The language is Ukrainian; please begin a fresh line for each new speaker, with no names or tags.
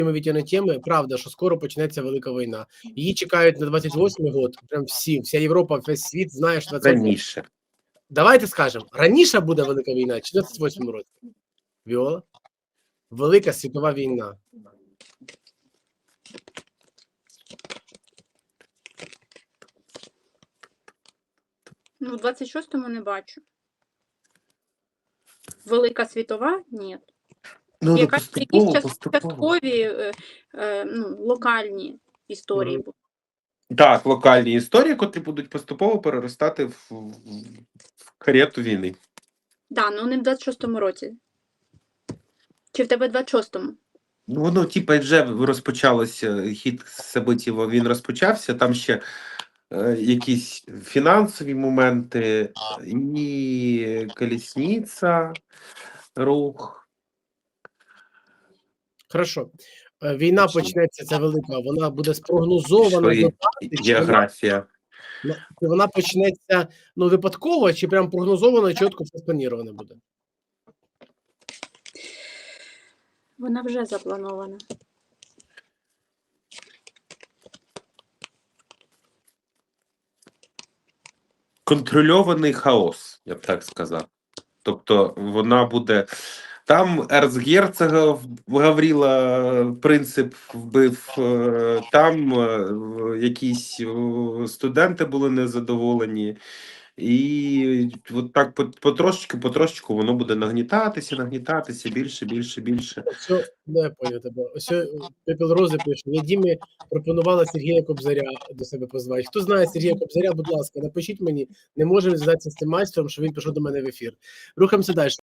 Вітяної теми, правда, що скоро почнеться велика війна. Її чекають на 28-й год. Прям вся Європа, весь світ знає, що 28-й.
Раніше.
Давайте скажемо, раніше буде велика війна чи в 28-му році? Віола? Велика світова війна.
Ну, в 26-му не бачу. Велика світова? Ні.
Ну,
Якісь
поступово.
часткові, локальні історії будуть.
Так, локальні історії, котрі будуть поступово переростати в карету війни.
Так, ну не в 26-му році. Чи в тебе в 26-му?
Ну, воно, вже розпочалося, хід событів, він розпочався, там ще якісь фінансові моменти, і колісниця, рух.
Хорошо. Війна почнеться, ця велика, вона буде спрогнозована.
Географія.
Вона почнеться, випадково, чи прям прогнозовано, чітко все сплановано буде?
Вона вже запланована.
Контрольований хаос, я б так сказав. Тобто вона буде... Там ерцгерцога Гавріла принцип вбив, там якісь студенти були незадоволені. І от так потрошечку воно буде нагнітатися більше.
Все, не поняв тебе. Ось Пепел Рози пише, я Дімі пропонувала Сергія Кобзаря до себе позвати. Хто знає Сергія Кобзаря, будь ласка, напишіть мені, не можемо зв'язатися з цим майстром, що він пішов до мене в ефір. Рухаємося далі.